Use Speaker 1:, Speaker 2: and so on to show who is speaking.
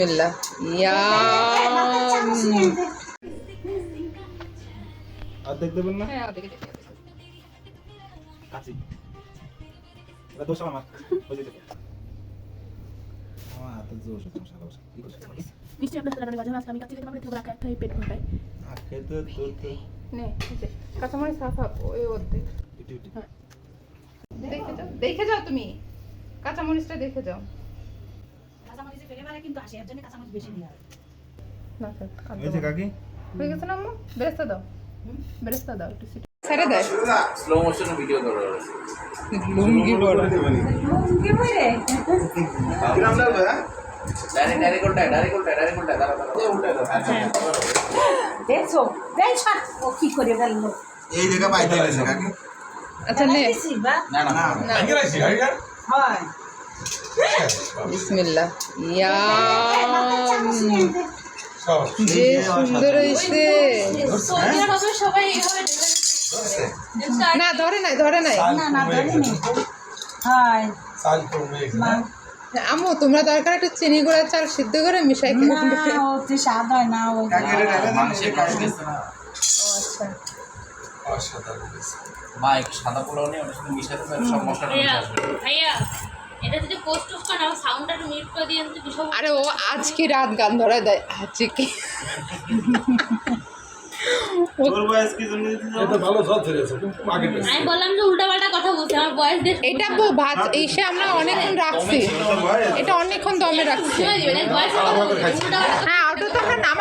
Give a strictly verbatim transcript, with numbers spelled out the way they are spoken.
Speaker 1: Bismillah. Yum.
Speaker 2: অর্ধেক দেবেন না?
Speaker 1: হ্যাঁ, ওদিকে দেখে যাবে।
Speaker 2: কাছি এটা দোষ আমার ওই যে আমার হাতে জোশ আছে শালা বসে কি করছিস
Speaker 3: নিশ্চয়ই আপনার সাথে বাজার মাছ আমি কাছে থেকে আমরা রাখা একটা পেট ভরাই
Speaker 2: আর খেতে তো তো
Speaker 1: নে, এই যে, কাঁচামরিচ half half, ওই অর্ধেক।
Speaker 2: ইটি ইটি
Speaker 1: হ্যাঁ। দেখে যাও, দেখে যাও তুমি। কাঁচামরিচটা দেখে যাও।
Speaker 3: কাঁচামরিচে ফেলে মারে কিন্তু আসে এর জন্য কাঁচামরিচ বেশি দেওয়া হয়
Speaker 1: না, স্যার, খাদ্য
Speaker 2: এই যে কাকি
Speaker 1: হয়ে গেছে না আম্মু? বেরেস্তা দাও। বেরেস্তা দাও একটু সিটি। ছেড়ে দেয়।
Speaker 4: স্লো মোশনে ভিডিও করো
Speaker 1: লুঙ্গি বড়।
Speaker 4: ডাইরেক্ট ডাইরেক্ট উল্টা ডাইরেক্ট উল্টা ডাইরেক্ট উল্টা দাঁড়া দাঁড়া উল্টা
Speaker 3: দেখছো দেখ ছাড় ও কি করে গেল
Speaker 2: এই জায়গা পাইতে গেছে কাকি
Speaker 1: আচ্ছা নে।
Speaker 4: না না না
Speaker 1: না।
Speaker 3: হয়
Speaker 1: বিসমিল্লাহ। ইয়াম। যে সুন্দর হইছে।
Speaker 3: সবাই
Speaker 1: না, ধরে নাই, ধরে নাই।
Speaker 3: না না ধরেনি হয় মা
Speaker 1: আম্মু, তোমরা দরকার একটু চিনি গুঁড়া চাল সিদ্ধ করে মিশাই খেয়ে
Speaker 3: না ওতে স্বাদ হয় না ওই
Speaker 4: মানুষের কাজ গেছে না
Speaker 1: ও আচ্ছা।
Speaker 4: মা একটু সাদা পোলাও নিয়ে ওটার সাথে মিশাতে পারে সব মশলা
Speaker 5: ভাইয়া ভাইয়া এটা যদি পোস্ট টোস্ট করে না সাউন্ডটা একটু মিউট করে দিয়ে তো বিষয়
Speaker 1: আরে ও আজ কি রাত গান ধরে দেয় আজকে কি
Speaker 2: তোর বয়স কি জন্য
Speaker 6: এটা ভালো সব ছেড়েছে কিন্তু আগে
Speaker 5: আমি বললাম যে উল্টাপাল্টা কথা বলছি আমার বয়স দেখ
Speaker 1: এটা বউ ভাত এসে আমরা অনেকক্ষণ রাখছি, এটা অনেকক্ষণ দমে রাখছি।
Speaker 5: বয়স উল্টাপাল্টা
Speaker 1: হ্যাঁ, ওটা তো আমরা নামা